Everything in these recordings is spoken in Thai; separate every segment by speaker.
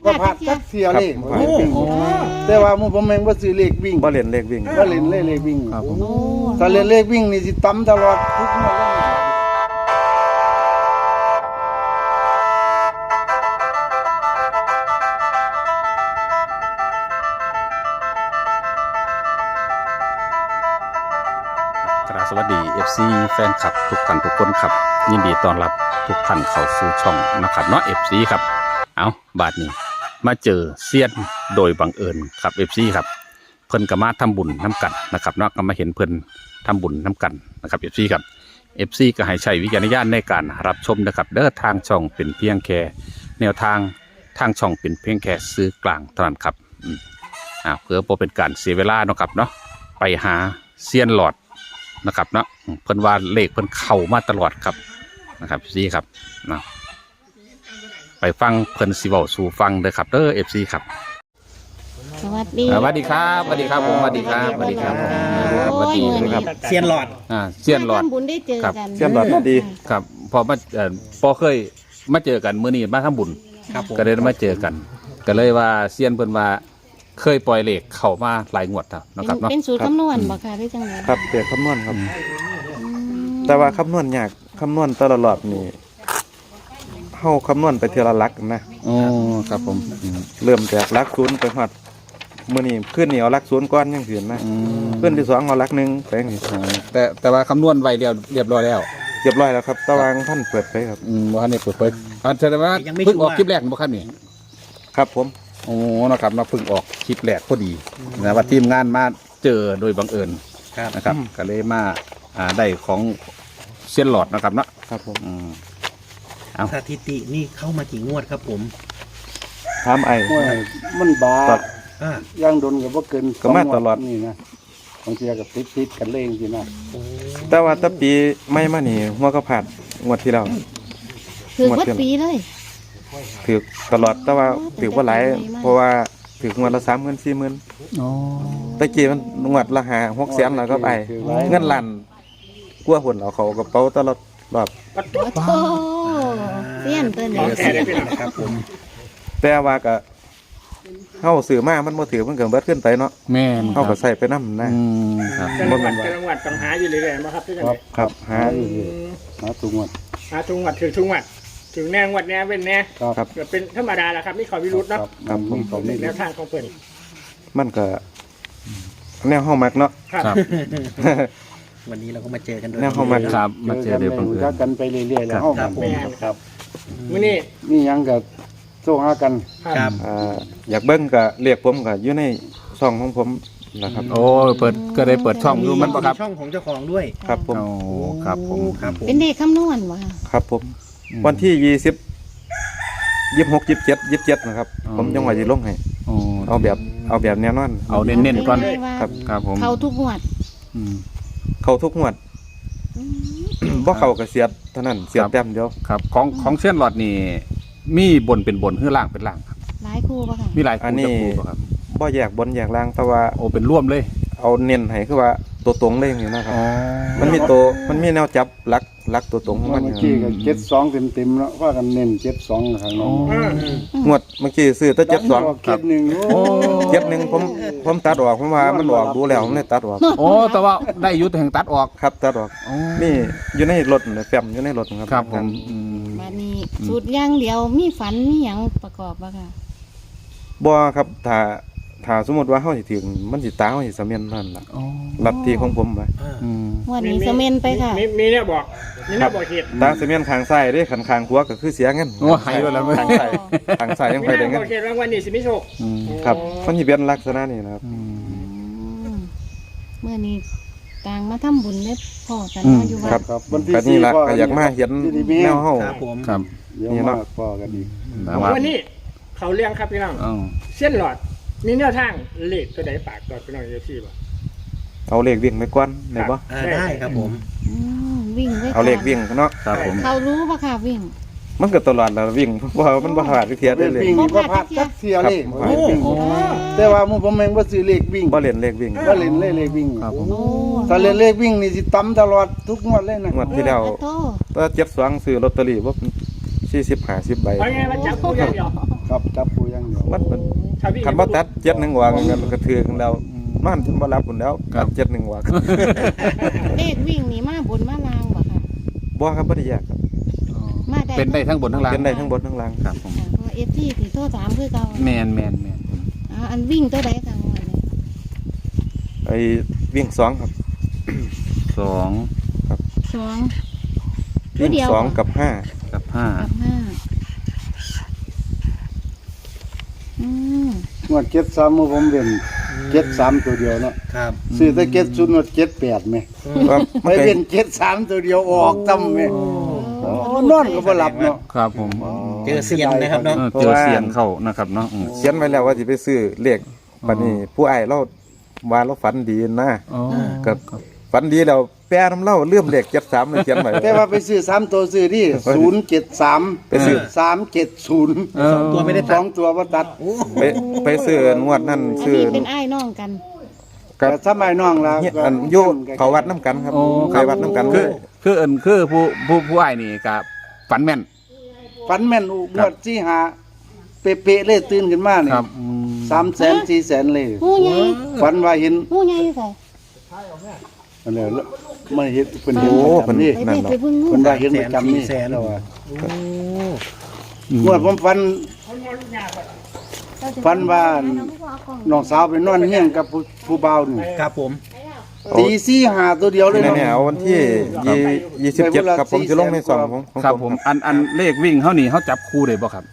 Speaker 1: ว่าพลาดจักเสียเลขแต่ว่าผมเองบ่ซื้อเลขวิ่ง
Speaker 2: บ่เล่นเลขวิ่ง
Speaker 1: บ่เล่นเลขวิ่ง
Speaker 2: ครับผม
Speaker 1: ถ้าเล่นเลขวิ่งนี่สิตำตลอดทุกงวดเลย
Speaker 3: สวัสดี FC แฟนคลับทุกท่านทุกคนครับยินดีต้อนรับทุกท่านเข้าสู่ช่องนะครับเนาะ FC ครับเอาบาดนี้มาเจอเซียนโดยบังเอิญครับ FC ครับเพิ่นก็มาทำบุญน้ำกันนะครับเนาะก็มาเห็นเพิ่นทำบุญน้ำกันนะครับ FC ครับ FC ก็ให้ใช้วิจารณญาณในการรับชมนะครับเด้อทางช่องเป็นเพียงแค่แนวทางช่องเป็นเพียงแค่ซื้อกลางเท่านั้นครับเพื่อบ่เป็นการเสียเวลาเนาะครับเนาะไปหาเซียนหลอดนะครับเนาะเพิ่นว่าเลขเพิ่นเข้ามาตลอดครับนะครับซีครับนะไปฟังเพิ่นสิเว้าสู่ฟังเด้อครับเด้อ FC ครับ
Speaker 4: สวัสดี
Speaker 3: สวัสดีครับสวัสดีครับผมสวัสดีครับสวัสดีครับผมสวัสดีครับ
Speaker 5: เซียนหลอด
Speaker 3: เซียนหลอด
Speaker 4: ทำบุญได้เจอกัน
Speaker 2: เสียนหลอดมาดี
Speaker 3: ครับพอมาพอเคยมาเจอกันมื้อนี้มาทำบุญ
Speaker 5: ครับผม
Speaker 3: ก็เลยมาเจอกันก็เลยว่าเซียนเพิ่นว่าเคยปล่อยเลขเข้ามาหลายงวดแล้วนะครับเนาะ
Speaker 4: เป็นสูตรคำนวณบ่ค่ะหรือจังได
Speaker 2: ครับเด็กคำนวณครับ แต่ว่าคำนวณยากคำนวณแต่ละรอบนี่เฮาคำนวณไปเทีละหลักนะ
Speaker 3: อ๋อครับผม
Speaker 2: เริ่มจากหลักศูนย์ไปฮอดมื้อนี้ขึ้นนี่เอาหลักศูนย์ก่อนจังซี่นะขึ้นที่2เอาหลักหนึ่งไปจังซี่
Speaker 3: แต่ว่าคำนวณไว้เรียบร้อยแล้ว
Speaker 2: เรียบร้อยแล้วครับตารางท่านเปิดไปครับ
Speaker 3: บ่ทันได้เปิดเผยแสดงว่าเพิ่งออกคลิปแรกบ่ครับนี่
Speaker 2: ครับผม
Speaker 3: โอ้นะครับมาเพิ่งออกคลิปแรกพอดีนะว่าทีมงานมาเจอโดยบังเอิญนะครับก็เลยมาได้ของเซียนหลอดนะครับเนาะ
Speaker 2: ครับผม
Speaker 5: สถิตินี่เข้ามากี่งวดครับผม
Speaker 2: ถามไอ้
Speaker 1: โอ้ยมันบา
Speaker 2: ตัด
Speaker 5: อ่า
Speaker 1: ย่างดนก็บ่เกิน
Speaker 2: ก็มาตลอด
Speaker 1: นี่นะบางทีก็ติดกันเล่งสินะ
Speaker 2: แต่ว่าแตะปีไม่มานี่หัวก็ผ่านงวดที่แล้ว
Speaker 4: คือวัดปีเลย
Speaker 2: ถือตลอดแต่ว่าถือว่าหลายเพราะว่าถืองวดละ30,000 40,000
Speaker 3: อ๋อ
Speaker 2: ตะกี้มันงวดละ5-6 แสนแล้วก็ไปเงินล้านกลัวหุ่นเอาเขากระเป๋าตลอดรอบ
Speaker 4: โอ้โหเสี้ยนตัวนี้
Speaker 5: ครับผม
Speaker 2: แต่ว่าก็เฮาซื้อมามันบ่ถือมันก็เบิดขึ้นไปเนาะ
Speaker 3: แม่น
Speaker 2: เฮาก็ใส่ไปนำนะ
Speaker 3: ครับ
Speaker 1: บ่แม่นว่า
Speaker 6: จังหวัดต้องหาอยู่เรื่อยๆมาครับที่จังห
Speaker 1: ครั
Speaker 6: วั
Speaker 1: บ
Speaker 6: ด
Speaker 2: ครับหา
Speaker 1: หาทุกงวด
Speaker 6: หาทุกงวัดถือทุกงวัดถึงแนงวัดแนเป็นแน่
Speaker 2: ครับ
Speaker 6: ก็เป็นธรรมดาแหละครับนี่ขอวิรุธเนาะ
Speaker 2: ครับผม
Speaker 1: เขานี่
Speaker 6: แนวทางของเพิ่น
Speaker 2: มันก็แนวเฮามักเนาะ
Speaker 6: ครับ
Speaker 5: วันนี้เราก็มาเจอกันโดย
Speaker 2: แนวเข้ามา
Speaker 3: ครับมาเจอเดี๋ยวบัง
Speaker 1: รู้
Speaker 3: เอิ
Speaker 1: จั
Speaker 3: ญ
Speaker 1: กกันไปเรื่อยๆแล้วเฮากัน
Speaker 6: แม่น
Speaker 1: ครับ
Speaker 6: มื้อนี้
Speaker 1: นี่ยังก็โซหากัน
Speaker 5: ครับ
Speaker 2: อยากเบิ่งก็เรียกผมก็อยู่ในช่องของผมนะครับ
Speaker 3: โอ้เปิดก็ได้เปิดช่องอยู่มันบ่ครับ
Speaker 5: ช่องของเจ้าของด้วย
Speaker 2: ครับผม
Speaker 3: โอ้ครับผม
Speaker 5: ครับผม
Speaker 4: เป็นเด็กคำนวณบ่ค่ะ
Speaker 2: ครับผมวันที่26 27นะครับผมจังหวัดสิลงให้
Speaker 3: โอ้
Speaker 2: เอาแบบแน่นอน
Speaker 3: เอาเน้นๆก่อน
Speaker 4: เลยว่า
Speaker 2: ครับ
Speaker 3: ครับผม
Speaker 4: เขาทุกงวด
Speaker 3: อืม
Speaker 2: เข้าทุกงวด บ่เข้าก็เสียดเท่านั้นเสียดแต้มเดียว
Speaker 3: ครับของเซียนหลอดนี่มีบนเป็นบนหรือล่างเป็นล่างครับ
Speaker 4: หลายคู่บ่ค่ะ
Speaker 3: มีหลาย
Speaker 2: อัน
Speaker 3: คู่
Speaker 2: นี้
Speaker 3: จะคู่บ่ครับ
Speaker 2: บ่แยกบนแยกล่างแต่ว่า
Speaker 3: โอ้เป็นร่วมเลย
Speaker 2: เอาเน้นให้คือว่าตัวตรงเลยนี่นะครับ
Speaker 3: อ๋อ
Speaker 2: มันมีแนวจับหลักตัวตรงของมัน
Speaker 1: เมื่
Speaker 2: อ
Speaker 1: อยู่ กี้ก็72เต็มๆแล้วว่ากันเน้น72ข้างนอก
Speaker 2: งวดเมื่อกี้ซื้อแต่72
Speaker 1: ครับ1โอ้
Speaker 2: 71ผมตัดออกผมว่ามันออกดูแล้วผมเลยตัดออก
Speaker 3: โอ้แต่ว่าได้อยุติแห่งตัดออก
Speaker 2: ครับตัดออก
Speaker 3: อ๋อ
Speaker 2: นี่อยู่ในรถแฟ้มอยู่ในรถครับ
Speaker 3: ครับผมอืม
Speaker 4: บัดนี้สูตรอย่างเดียวมีฝันมีหยังประกอบบ่ค่ะ
Speaker 2: บ่ครับถ้าสมมุติว่าเฮาสิถึงมันสิตาเฮาสิสำเร็จนั่นล่ะ
Speaker 3: อ๋อ
Speaker 2: ลัทธิของผมว่า
Speaker 3: อืม
Speaker 4: งวันนี้เสมนไปค่ะ
Speaker 6: มีเนี่ยบอกมีเนี่ยบอกเหตุ
Speaker 2: ตาสำเร็จข้างซ้ายเด้ข้างขวาก็คือเสียเงิน
Speaker 3: โอ้หายไปแล้วไหม
Speaker 2: ข้างซ้ายยัง
Speaker 6: มี
Speaker 2: ไป
Speaker 6: เนี่
Speaker 2: ได้
Speaker 6: ย
Speaker 2: เงิ
Speaker 6: บ
Speaker 2: น
Speaker 6: อกเหตุรางวัลนี่สิไม่โชค
Speaker 3: อืม
Speaker 2: ครับมันสิเป็นลักษณะนี้นะครับ
Speaker 3: อืม
Speaker 4: เมื่อนี้ต่างมาทำบุญได้พอกัน
Speaker 3: อืม
Speaker 4: มาอยู่วั
Speaker 2: ครั
Speaker 4: ด
Speaker 2: บ
Speaker 1: ครับวันที่
Speaker 2: ก็นี่ล่ะ
Speaker 1: 4
Speaker 2: ก็อยากมาเห็นแนวเฮา
Speaker 5: ครับผม
Speaker 3: ครับ
Speaker 1: เดี๋ยว
Speaker 2: นี่
Speaker 1: มา
Speaker 2: เนาะ
Speaker 1: พอกันอีก
Speaker 3: แต่ว่า
Speaker 6: วันนี้เขาเลี้ยงครับพี่น้อง
Speaker 3: อ๋อ
Speaker 6: เส้นหลอดมีแนวทางเลขตัวใดปากต่อพี่น้องเอฟซีบ่
Speaker 2: เอาเลขวิ่งไปก่อนได้บ่
Speaker 5: ได้ครับผม
Speaker 4: วิ่งไว้
Speaker 2: เอาเลขวิ่งเนาะ
Speaker 3: ครับผม
Speaker 4: เขารู้ป่ะค่ะวิ่ง
Speaker 2: มันก็ตลอดแล้ววิ่งเพราะว่ามันบ่พลาดเทียได้เลย
Speaker 1: วิ่งนี่บ่พลาดจักเสียเลข
Speaker 2: ครับ
Speaker 1: วิ่งแต่ว่าผมเองบ่ซื้อเลขวิ่ง
Speaker 2: บ่เล่นเลขวิ่ง
Speaker 1: บ่เล่นเลขวิ่ง
Speaker 3: ครับผม
Speaker 4: โอ้
Speaker 1: ถ้าเล่นเลขวิ่งนี่สิตำตลอดทุกงวดเลยนะ
Speaker 2: งวดที่แล้ว
Speaker 4: โต
Speaker 2: ก็72ซื้อลอตเตอรี่บ่40 50ใบ
Speaker 6: เอาไงมาจับคู่อย่างเดียว
Speaker 1: ครับจับคู่อย่างเดียว
Speaker 2: มันเป็น
Speaker 6: ถ้าวิ่ง
Speaker 2: คันบ่ตัด71ว่ากันก็ถือกันแล้วนอนจนบ่หลับพุ่นแล้วตัด71ว่า
Speaker 4: เลขวิ่งนี่มาบนมาล่างบ่ค่ะ
Speaker 2: บ่ครับบ่ได้ยากครับ
Speaker 4: มาได้
Speaker 3: เป็นได้ทั้งบนทั้งล่าง
Speaker 2: เป็นได้ทั้งบนทั้งล่าง
Speaker 3: ครับผม
Speaker 4: ค่ะเพราะว่า FT สิโทรถามคือเก่า
Speaker 3: แมน
Speaker 4: อันวิ่งตัวใดค่ะงวดนี้
Speaker 2: ไอ้วิ่ง2ครับ
Speaker 3: สอง
Speaker 4: 2
Speaker 2: วิ่ง
Speaker 4: เดียว
Speaker 2: 2กับ5
Speaker 3: กับห้า
Speaker 4: กับ5
Speaker 1: งวด73มื้อผมเล่น73ตัวเดียวเนาะ
Speaker 5: ครับ
Speaker 1: ซื้อแต่70งวด78แม่
Speaker 2: ครับ
Speaker 1: ไปเล่น73ตัวเดียวออกซ้ำแม่นอนก็บ่หลับเนาะ
Speaker 3: ครับผม
Speaker 5: เจอเซียนนะครับเนาะ
Speaker 3: เจอเสียงเข้านะครับเนาะ
Speaker 2: เขียนไว้แล้วว่าสิไปซื้อเลขบัดนี้ผู้อ้ายเราว่าเราฝันดีนะ
Speaker 3: อ๋อ
Speaker 2: ก็ฝันดีแล้วแปรน้ำเล่าเลื่อมเลข73เลยเขียนไว้
Speaker 1: แต่ว่าไปซื้อ3ตัวซื้อที่073
Speaker 2: ไปซื้อ
Speaker 1: 370
Speaker 5: สองตัวไม่ได้ตัด
Speaker 1: 2ตัวบ่ตัด
Speaker 2: ไปซื้องวดนั่น
Speaker 4: อัน
Speaker 2: ซื้อ
Speaker 4: นี้เป็นอ้ายน้องกัน
Speaker 2: กับ
Speaker 1: แต่สมัยน้องล่ะ
Speaker 2: อันอยู่เขาวัดน้ำกันครับ
Speaker 3: โอ้
Speaker 2: ไปวัดน้ำกัน
Speaker 3: คือผู้อ้ายนี่กับฝันแม่น
Speaker 1: ฝันแม่นอุงวดที่หาเป๊ะๆเลยตื่นขึ้นมานี่
Speaker 3: ครับ
Speaker 1: 300,000 400,000เลย
Speaker 4: หูใหญ่
Speaker 1: ฝันว่าเห็น
Speaker 4: หูใหญ่ใส่
Speaker 1: อันนี้มันเห็นเพิ่นเห็น
Speaker 2: โอ้
Speaker 1: ประ
Speaker 2: เพิ่น
Speaker 1: จำนี่
Speaker 4: ไปเบิ่งงู
Speaker 1: เพิ่นว่าเห็นประจำนี่แล้วว่า งวดผมฝันว่าน้องสาวไปนอนเฮียงกับผู้บ่าวนี่
Speaker 5: ครับผม
Speaker 1: ตี4 5ตัวเดียวเลย
Speaker 2: เนี่ย
Speaker 1: เนาะ
Speaker 2: เนี่ยเอาวันที่27ครับผมจะลงในซองของ
Speaker 3: ครับผมอันเลขวิ่งเขานี่เขาจับคู่ได้บ่ครับ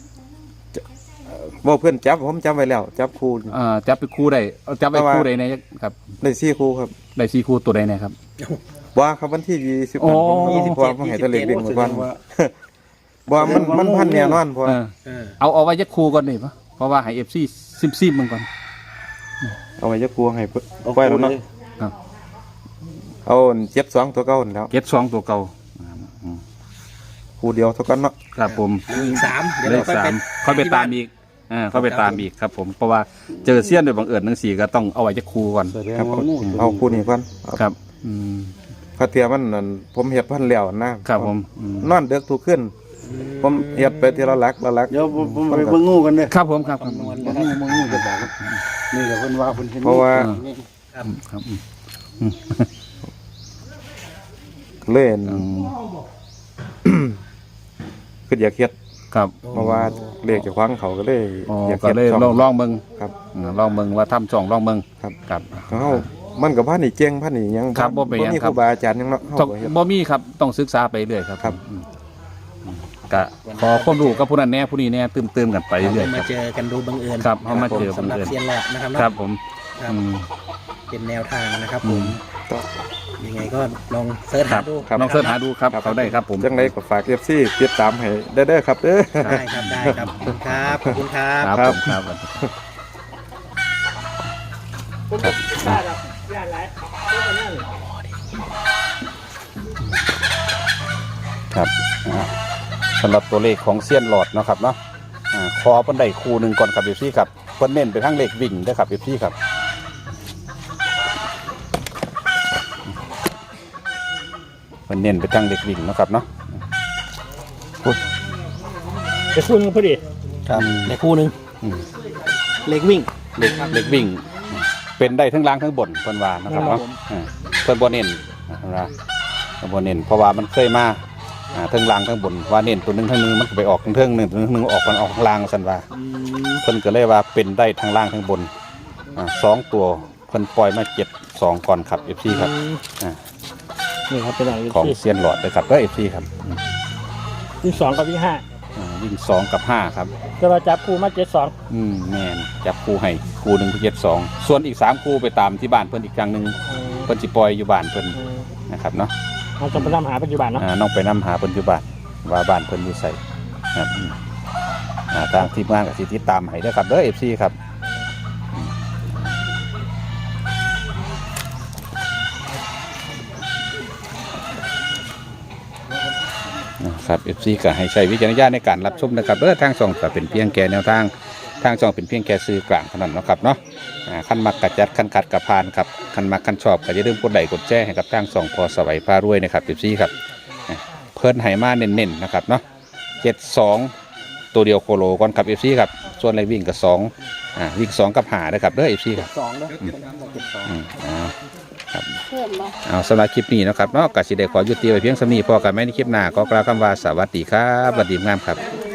Speaker 2: บ่เพื่อนจับผมจับไว้แล้ว จับคู่
Speaker 3: จับไปคู่ได้เอาจับไปคู่ใดในครับ
Speaker 2: ได้4คู่ครับ
Speaker 3: ได้สี่คู่ตัวใดในครับ
Speaker 2: ว่าครับวันที่20
Speaker 3: โอ้
Speaker 2: ผมเพราะว่าผมให้แตะเลขวิ่งมาก่อนบ่มันพันแน่นอนเพราะ
Speaker 3: เอาไว้ยักคู่ก่อนนี่ปะเพราะว่าให้ FC ซิมมันก่อน
Speaker 2: เอาไว้จะกลัวให้ไว้แล้วเนาะ
Speaker 3: ครับ
Speaker 2: เอา72ตัวเก่าแล้ว
Speaker 3: เก็ต2ตัวเก่า
Speaker 2: คู่เดียวเท่ากันเนาะ
Speaker 3: ครับผม
Speaker 5: อีก3เดี๋ยว
Speaker 3: เล
Speaker 5: เรา
Speaker 3: ข
Speaker 5: ค่อย
Speaker 3: สา
Speaker 5: ไป
Speaker 3: มค่อยไปตามอีกค่อยไปตามอีกครับผมเพราะว่าเจอเสี้ยนโดยบังเอิญทั้งสี่ก็ต้องเอาไว้ยักคู่ก่อน
Speaker 1: แสดง
Speaker 2: ครับ
Speaker 1: ว่างู
Speaker 2: เอาคู่นี้ก่อน
Speaker 3: ครับ
Speaker 2: พระเทียมันนั่นผมเฮ็ดพันแล้วนะครับ
Speaker 3: ผม
Speaker 2: นอนเด็กทุกขึ้น ผมเฮ็ดไปทีละหลักละหลัก
Speaker 1: เดี๋ยวผมไปเบิ่งงูกันเด้อ
Speaker 3: ครับผมครับ
Speaker 1: เบิ่งงูจะบอกครับนี่แหละเพิ่นว่าเพิ่นเห็น
Speaker 2: เพราะว่า
Speaker 3: ครับ
Speaker 2: เล่นคืออยากเฮ็ด
Speaker 3: ครับ
Speaker 2: เพราะว่าเลขจะคว้างเขาก็เลย อยาก
Speaker 3: ก็
Speaker 2: เฮ็ด
Speaker 3: เลย
Speaker 2: ช่อง
Speaker 3: ลองเบิ่ง
Speaker 2: ครับ
Speaker 3: ลองเบิ่งว่าทำช่องลองเบิ่ง
Speaker 2: ครับ
Speaker 3: ครับ
Speaker 2: เฮามันกับพันนี่เจ๋งพันนี่ยัง
Speaker 3: ครับบ่เป็นหยัง
Speaker 2: มี
Speaker 3: ค
Speaker 2: ครับ รูบาอาจารย์ยังเนาะเฮา
Speaker 3: ต้อง
Speaker 2: ก็เฮ็ด
Speaker 3: บ่มีครับต้องศึกษาไปเรื่อยครับ
Speaker 2: ครับ
Speaker 3: ก็ขอความรู้กับผู้นั้นแน่ผู้นี้แน่ตื่มกันไปเรื่อยๆค
Speaker 5: มา
Speaker 3: รับ
Speaker 5: เจอกันดูบังเอิญ
Speaker 3: ครับเขามาเจอ
Speaker 5: สำหรับ
Speaker 3: บังเอิญ
Speaker 5: เซียนหลอดนะครับ
Speaker 3: ครับ
Speaker 5: เนาะ
Speaker 3: ผม
Speaker 5: ครับ
Speaker 3: อืม
Speaker 5: เป็นแนวทางนะครับ
Speaker 3: อื
Speaker 5: ผม
Speaker 3: ม
Speaker 5: ยังไงก็ลองเสิร์ช
Speaker 3: ครั
Speaker 5: หา
Speaker 3: บ
Speaker 5: ดู
Speaker 3: ลองเสิร์ชหาดูครับเขาได้ครับผม
Speaker 2: จังไดก็ฝาก FC ติดตามให้ได้เด้อครับเด้อ
Speaker 5: ได้ครับได้ครับครับขอบคุณครับ
Speaker 3: ครับผมครับ
Speaker 6: ผมก็ได้ครับย่านหลายก็นั่น
Speaker 3: ครับสำหรับตัวเลขของเซียนหลอดเนาะครับเนาะขอเพิ่นได้คู่หนึ่งก่อนครับเอฟซีครับเพิ่นเน้นไปทั้งเลขวิ่งเด้อครับเอฟซีครับเพิ่นเน้นไปทั้งเลขวิ่งเนาะครับเนาะ
Speaker 6: ไปคู่นึงพอดี
Speaker 5: ครับในคู่หนึ่ง
Speaker 3: อืม
Speaker 5: เล็กวิ่ง
Speaker 3: เลขวิ่ง เป็นได้ทั้งล่างทั้งบนเพิ่นว่านะครับเนาะเพิ่นบ่เน้นนะครับเพิ่นบ่เน้นเพราะว่ามันเคยมาทั้งล่างทั้งบนว่าเน้นตัวหนึงทั้งนึงมันก็ไปออกทั้งเทิงหนึงตัวหนึงออกมันออกข้างล่างซั่นว่า เพิ่นก็เลยว่าเป็นได้ทั้งล่างทั้งบน2ตัวเพิ่นปล่อยมา7-2ก่อนครับ FC ครับ
Speaker 6: นี่ครับเป็นอะไร
Speaker 3: ของเซียนหลอดเลยครับเด้อ FC ครับ
Speaker 6: ที่2กับที่5
Speaker 3: วิ่ง2กับ5ครับ
Speaker 6: จะมาจับคู่มา72
Speaker 3: แม่นจับคู่ให้คู่หนึงคือ72ส่วนอีก3คู่ไปตามที่บ้านเพิ่นอีกครั้งหนึงเพิ่นสิปล่อยอยู่บ้านเพิ่นนะครับเนาะ
Speaker 6: เราจะไปนำหาปัจจุบันเนาะ
Speaker 3: น้องไปนำหาเพิ่นอยู่บ้านว่าบ้านเพิ่นอยู่ไสครับทางทีมงานก็สิติดตามให้เด้อครับเด้อ FC ครับครับ FC ก็ให้ใช้วิจารณญาณในการรับชมนะครับทางช่องก็เป็นเพียงแค่แนวทางทางช่องเป็นเพียงแค่สื่อกลางเท่านั้นเนาะครับเนาะคันมักกระจัดคันขัดกระพานครับคันมักคันชอบก็อย่าลืมกดไลค์กดแชร์ให้กับทางช่องพอสวัยพารวยนะครับ FC ครับเพิ่นให้มาเน้นๆนะครับเนาะ72 ตัวเดียวโคโลก่อนครับ FC ครับส่วนเลขวิ่งกับ2วิ่ง2กับ5นะครับเด้อ FC ครับ
Speaker 1: สองเด้อเก็บสอง
Speaker 3: ครับ
Speaker 4: เพิ่มบ่
Speaker 3: เอาสำหรับคลิปนี้นะครับเนาะก็สิได้ขอยุติไว้เพียงสำนี้พอกันไหมในคลิปหน้าก็กล่าวคำว่าสวัสดีครับสวัสดีงามครับ